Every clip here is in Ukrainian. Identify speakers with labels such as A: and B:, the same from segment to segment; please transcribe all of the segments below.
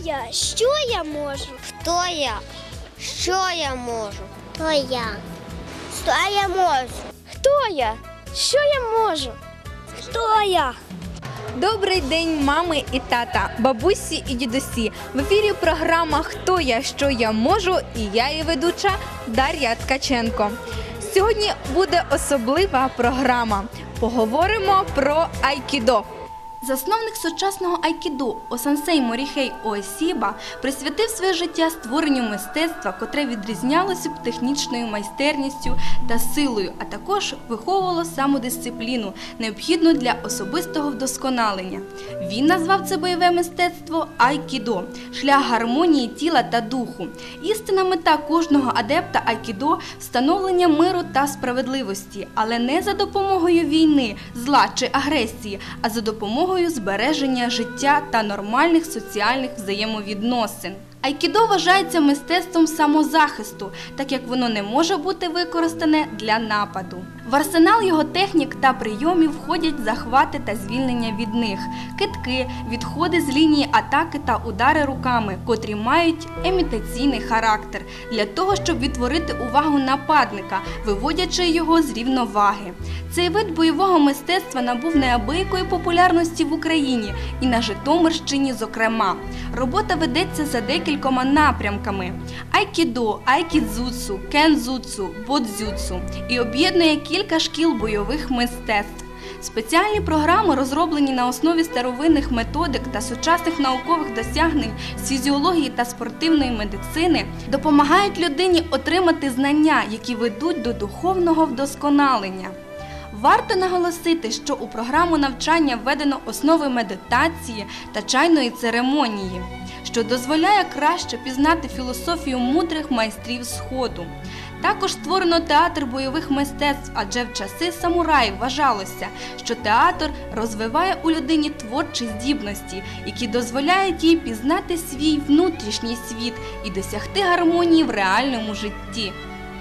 A: я? Що я можу?
B: Хто я? Що я можу?
A: Хто я? Що я можу? Хто я? Що я можу? Хто я?
C: Добрий день, мами і тата, бабусі і дідусі. В ефірі програма «Хто я, що я можу» і я її ведуча Дар'я Ткаченко. Сьогодні буде особлива програма. Поговоримо про айкідо. Засновник сучасного айкідо Осансей Моріхей Оосіба присвятив своє життя створенню мистецтва, котре відрізнялося б технічною майстерністю та силою, а також виховувало самодисципліну, необхідну для особистого вдосконалення. Він назвав це бойове мистецтво айкідо – шлях гармонії тіла та духу. Істинна мета кожного адепта айкідо – встановлення миру та справедливості, але не за допомогою війни, зла чи агресії, а за допомогою збереження життя та нормальних соціальних взаємовідносин. Айкідо вважається мистецтвом самозахисту, так як воно не може бути використане для нападу. В арсенал його технік та прийомів входять захвати та звільнення від них, кидки, відходи з лінії атаки та удари руками, котрі мають імітаційний характер, для того, щоб відтворити увагу нападника, виводячи його з рівноваги. Цей вид бойового мистецтва набув неабиякої популярності в Україні і на Житомирщині зокрема. Робота ведеться за декількома напрямками – айкідо, айкідзуцу, кензуцу, бодзюцу і об'єднує кілька шкіл бойових мистецтв. Спеціальні програми, розроблені на основі старовинних методик та сучасних наукових досягнень з фізіології та спортивної медицини, допомагають людині отримати знання, які ведуть до духовного вдосконалення. Варто наголосити, що у програму навчання введено основи медитації та чайної церемонії, що дозволяє краще пізнати філософію мудрих майстрів Сходу. Також створено театр бойових мистецтв, адже в часи самураїв вважалося, що театр розвиває у людині творчі здібності, які дозволяють їй пізнати свій внутрішній світ і досягти гармонії в реальному житті.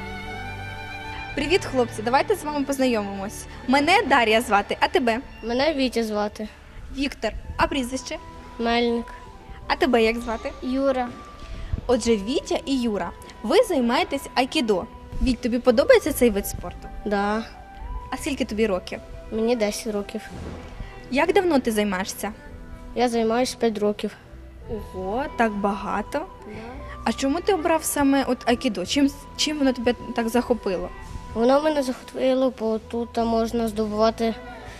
C: Привіт, хлопці! Давайте з вами познайомимось. Мене Дар'я звати, а тебе?
D: Мене Вітя звати.
C: Віктор. А прізвище?
D: Мельник.
C: А тебе як звати?
A: Юра.
C: Отже, Вітя і Юра, ви займаєтесь айкідо. Віть, тобі подобається цей вид спорту?
D: Да.
C: А скільки тобі років?
D: Мені 10 років.
C: Як давно ти займаєшся?
D: Я займаюся 5 років.
C: Ого, так багато. А чому ти обрав саме айкідо? Чим воно тебе так захопило?
D: Воно мене захопило, бо тут можна здобувати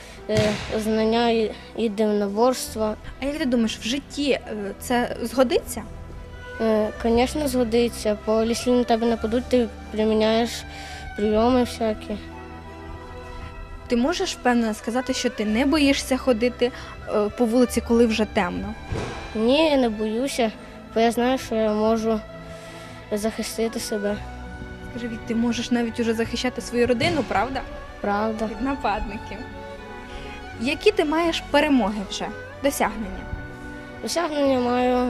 D: знання і єдиноборства.
C: А як ти думаєш, в житті це згодиться?
D: Звісно, згодиться, бо якщо на тебе нападуть, ти приміняєш прийоми всякі.
C: Ти можеш впевнено сказати, що ти не боїшся ходити по вулиці, коли вже темно?
D: Ні, я не боюся, бо я знаю, що я можу захистити себе.
C: Скажи, Віть, ти можеш навіть уже захищати свою родину, правда?
D: Правда.
C: Від нападників. Які ти маєш перемоги вже, досягнення?
D: Досягнення маю,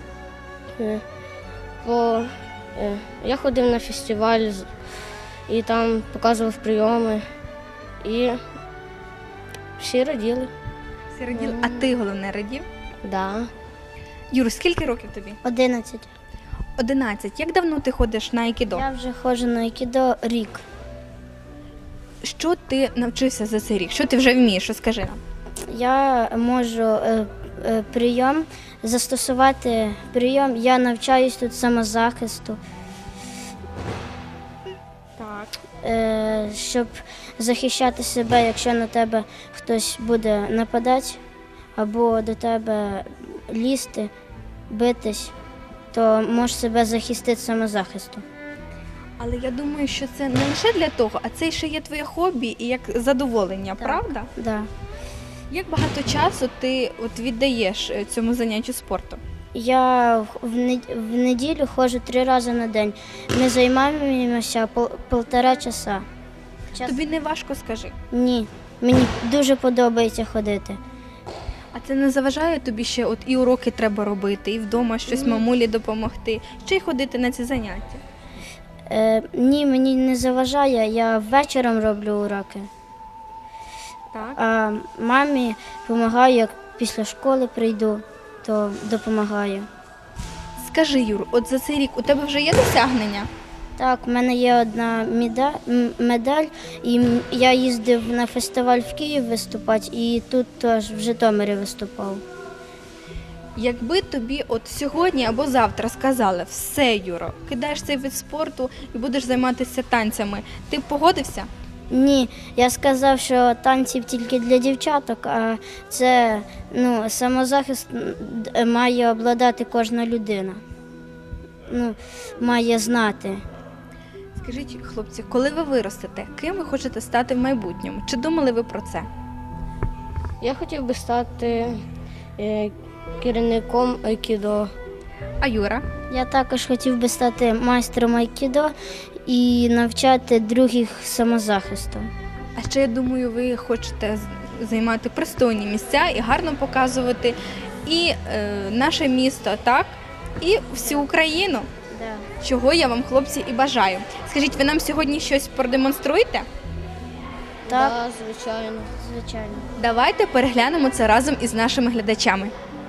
D: бо я ходив на фестиваль і там показував прийоми, і всі раділи.
C: Всі раділи. А ти, головне, радів?
D: Да.
C: Юр, скільки років тобі?
A: 11.
C: 11. Як давно ти ходиш на айкідо?
A: Я вже ходжу на айкідо рік.
C: Що ти навчився за цей рік? Що ти вже вмієш? Розкажи нам.
A: Я можу прийом застосувати прийом. Я навчаюсь тут самозахисту,
C: Так.
A: щоб захищати себе, якщо на тебе хтось буде нападати або до тебе лізти, битись, то можеш себе захистити самозахисту.
C: Але я думаю, що це не лише для того, а це ще є твоє хобі і як задоволення, правда?
A: Да.
C: Як багато часу ти віддаєш цьому заняттю спорту?
A: Я в неділю ходжу 3 рази на день. Ми займаємося 1,5 часа.
C: Тобі не важко, скажи.
A: Ні, мені дуже подобається ходити.
C: А це не заважає тобі ще і уроки треба робити, і вдома щось мамулі допомогти, ще й ходити на ці заняття?
A: Ні, мені не заважає, я вечором роблю уроки.
C: Так.
A: А мамі допомагаю, як після школи прийду, то допомагаю.
C: Скажи, Юр, от за цей рік у тебе вже є досягнення?
A: Так, в мене є одна медаль, і я їздив на фестиваль в Київ виступати, і тут теж в Житомирі виступав.
C: Якби тобі от сьогодні або завтра сказали, все, Юро, кидаєш цей вид спорту і будеш займатися танцями, ти б погодився?
A: Ні, я сказав, що танців тільки для дівчаток, а це самозахист має обладати кожна людина. Має знати.
C: Скажіть, хлопці, коли ви виростете, ким ви хочете стати в майбутньому? Чи думали ви про це?
D: Я хотів би стати керівником айкідо.
C: А Юра?
A: Я також хотів би стати майстром айкідо і навчати других самозахисту.
C: А ще, я думаю, ви хочете займати пристойні місця і гарно показувати і наше місто, так? І всю Україну.
A: Да.
C: Чого я вам, хлопці, і бажаю. Скажіть, ви нам сьогодні щось продемонструєте?
A: Так,
D: Да, звичайно.
A: звичайно.
C: Давайте переглянемо це разом із нашими глядачами.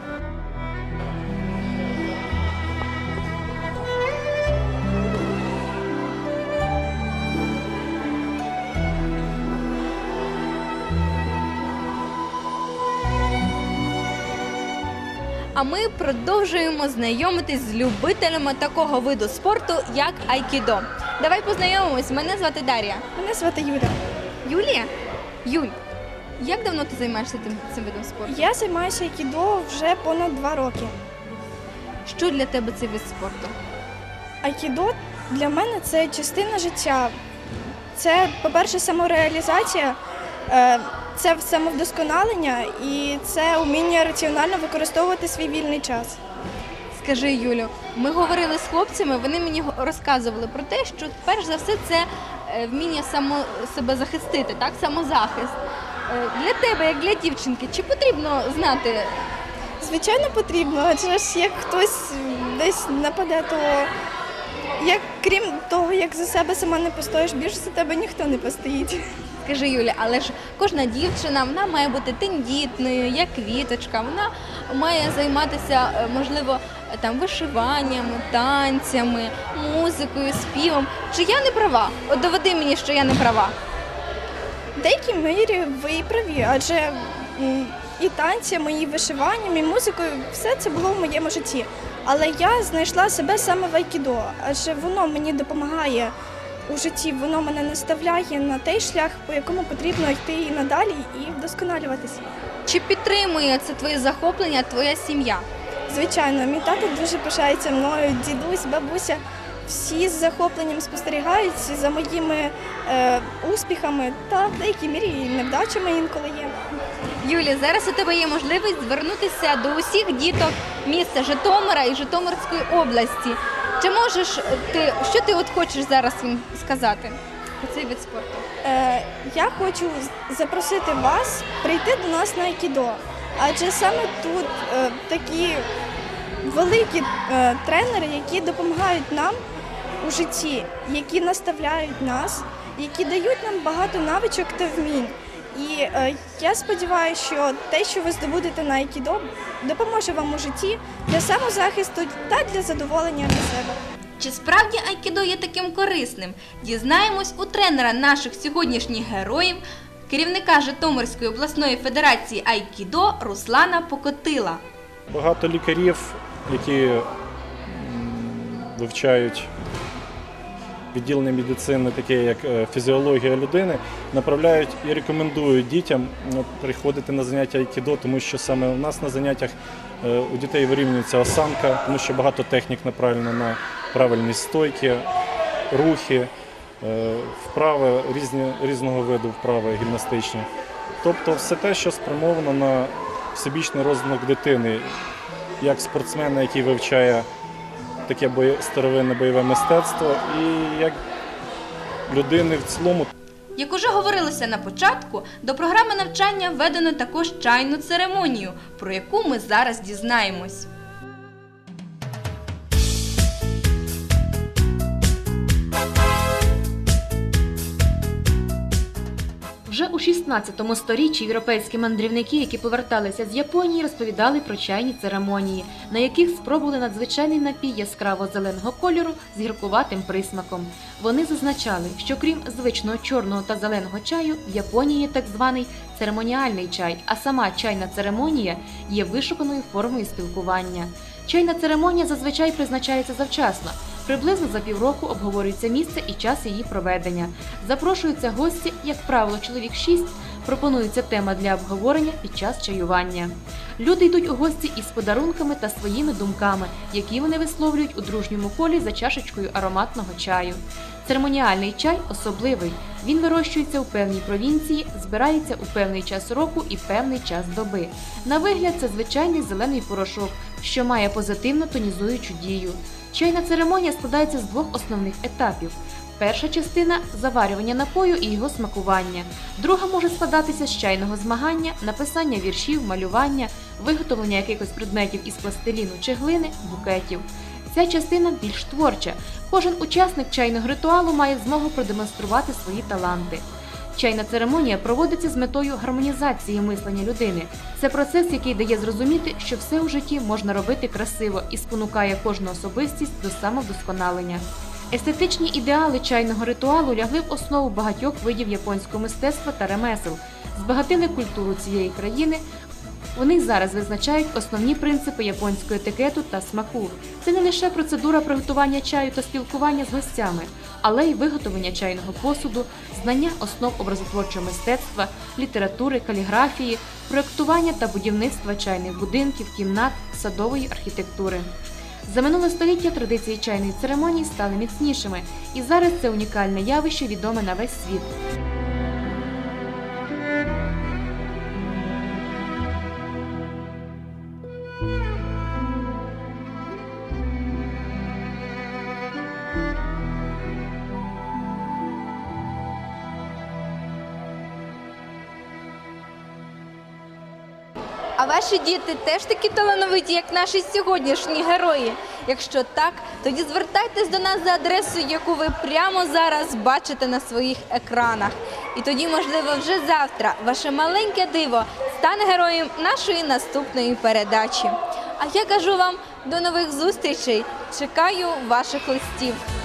C: А ми продовжуємо знайомитись з любителями такого виду спорту, як айкідо. Давай познайомимось. Мене звати Дар'я.
E: Мене звати Юля.
C: Юлія? Юль, як давно ти займаєшся цим видом спорту?
E: Я займаюся айкідо вже понад 2 роки.
C: Що для тебе цей вид спорту?
E: Айкідо для мене це частина життя. Це, по-перше, самореалізація, це самовдосконалення і це вміння раціонально використовувати свій вільний час.
C: Скажи, Юлю, ми говорили з хлопцями, вони мені розказували про те, що перш за все це вміння себе захистити, так, самозахист. Для тебе, як для дівчинки, чи потрібно знати?
E: Звичайно, потрібно, адже ж як хтось десь нападе, то крім того, як за себе сама не постоїш, більше за тебе ніхто не постоїть.
C: Скажи, Юля, але ж кожна дівчина, вона має бути тендітною, як квіточка, вона має займатися, можливо, там вишиванням, танцями, музикою, співом. Чи я не права? От доведи мені, що я не права.
E: В деякій мірі ви і праві, адже і танцями, і вишиванням, і музикою все це було в моєму житті. Але я знайшла себе саме в айкідо, адже воно мені допомагає у житті, воно мене наставляє на той шлях, по якому потрібно йти і надалі, і вдосконалюватися.
C: Чи підтримує це твоє захоплення, твоя сім'я?
E: Звичайно, мій тато дуже пишається мною, дідусь, бабуся. Всі з захопленням спостерігають за моїми успіхами та в деякій мірі і невдачами інколи є.
C: Юлі, зараз у тебе є можливість звернутися до усіх діток міста Житомира і Житомирської області. Чи можеш ти, що ти от хочеш зараз їм сказати про цей вид спорту?
E: Я хочу запросити вас прийти до нас на айкідо, адже саме тут такі великі тренери, які допомагають нам у житті, які наставляють нас, які дають нам багато навичок та вмінь. І я сподіваюся, що те, що ви здобудете на айкідо, допоможе вам у житті для самозахисту та для задоволення для себе.
C: Чи справді айкідо є таким корисним? Дізнаємось у тренера наших сьогоднішніх героїв, керівника Житомирської обласної федерації айкідо Руслана Покотила.
F: Багато лікарів, які вивчають відділення медицини, таке як фізіологія людини, направляють і рекомендують дітям приходити на заняття айкідо, тому що саме у нас на заняттях у дітей вирівнюється осанка, тому що багато технік направлено на правильні стойки, рухи, вправи, різного виду вправи гімнастичні. Тобто все те, що спрямовано на всебічний розвиток дитини, як спортсмена, який вивчає таке старовинне бойове мистецтво, і як людини в цілому.
C: Як уже говорилося на початку, до програми навчання введено також чайну церемонію, про яку ми зараз дізнаємось.
G: Вже у 16 сторіччі європейські мандрівники, які поверталися з Японії, розповідали про чайні церемонії, на яких спробували надзвичайний напій яскраво-зеленого кольору з гіркуватим присмаком. Вони зазначали, що крім звичного чорного та зеленого чаю, в Японії є так званий церемоніальний чай, а сама чайна церемонія є вишуканою формою спілкування. Чайна церемонія зазвичай призначається завчасно. Приблизно за півроку обговорюється місце і час її проведення. Запрошуються гості, як правило, чоловік 6, пропонується тема для обговорення під час чаювання. Люди йдуть у гості із подарунками та своїми думками, які вони висловлюють у дружньому колі за чашечкою ароматного чаю. Церемоніальний чай особливий. Він вирощується у певній провінції, збирається у певний час року і певний час доби. На вигляд це звичайний зелений порошок, що має позитивно тонізуючу дію. Чайна церемонія складається з двох основних етапів. Перша частина – заварювання напою і його смакування. Друга може складатися з чайного змагання, написання віршів, малювання, виготовлення якихось предметів із пластиліну чи глини, букетів. Ця частина більш творча. Кожен учасник чайного ритуалу має змогу продемонструвати свої таланти. Чайна церемонія проводиться з метою гармонізації мислення людини. Це процес, який дає зрозуміти, що все у житті можна робити красиво і спонукає кожну особистість до самовдосконалення. Естетичні ідеали чайного ритуалу лягли в основу багатьох видів японського мистецтва та ремесел, збагатили культуру цієї країни. Вони зараз визначають основні принципи японського етикету та смаку. Це не лише процедура приготування чаю та спілкування з гостями, але й виготовлення чайного посуду, знання основ образотворчого мистецтва, літератури, каліграфії, проєктування та будівництва чайних будинків, кімнат, садової архітектури. За минуле століття традиції чайної церемонії стали міцнішими, і зараз це унікальне явище відоме на весь світ.
C: А ваші діти теж такі талановиті, як наші сьогоднішні герої? Якщо так, тоді звертайтесь до нас за адресою, яку ви прямо зараз бачите на своїх екранах. І тоді, можливо, вже завтра ваше маленьке диво стане героєм нашої наступної передачі. А я кажу вам до нових зустрічей. Чекаю ваших листів.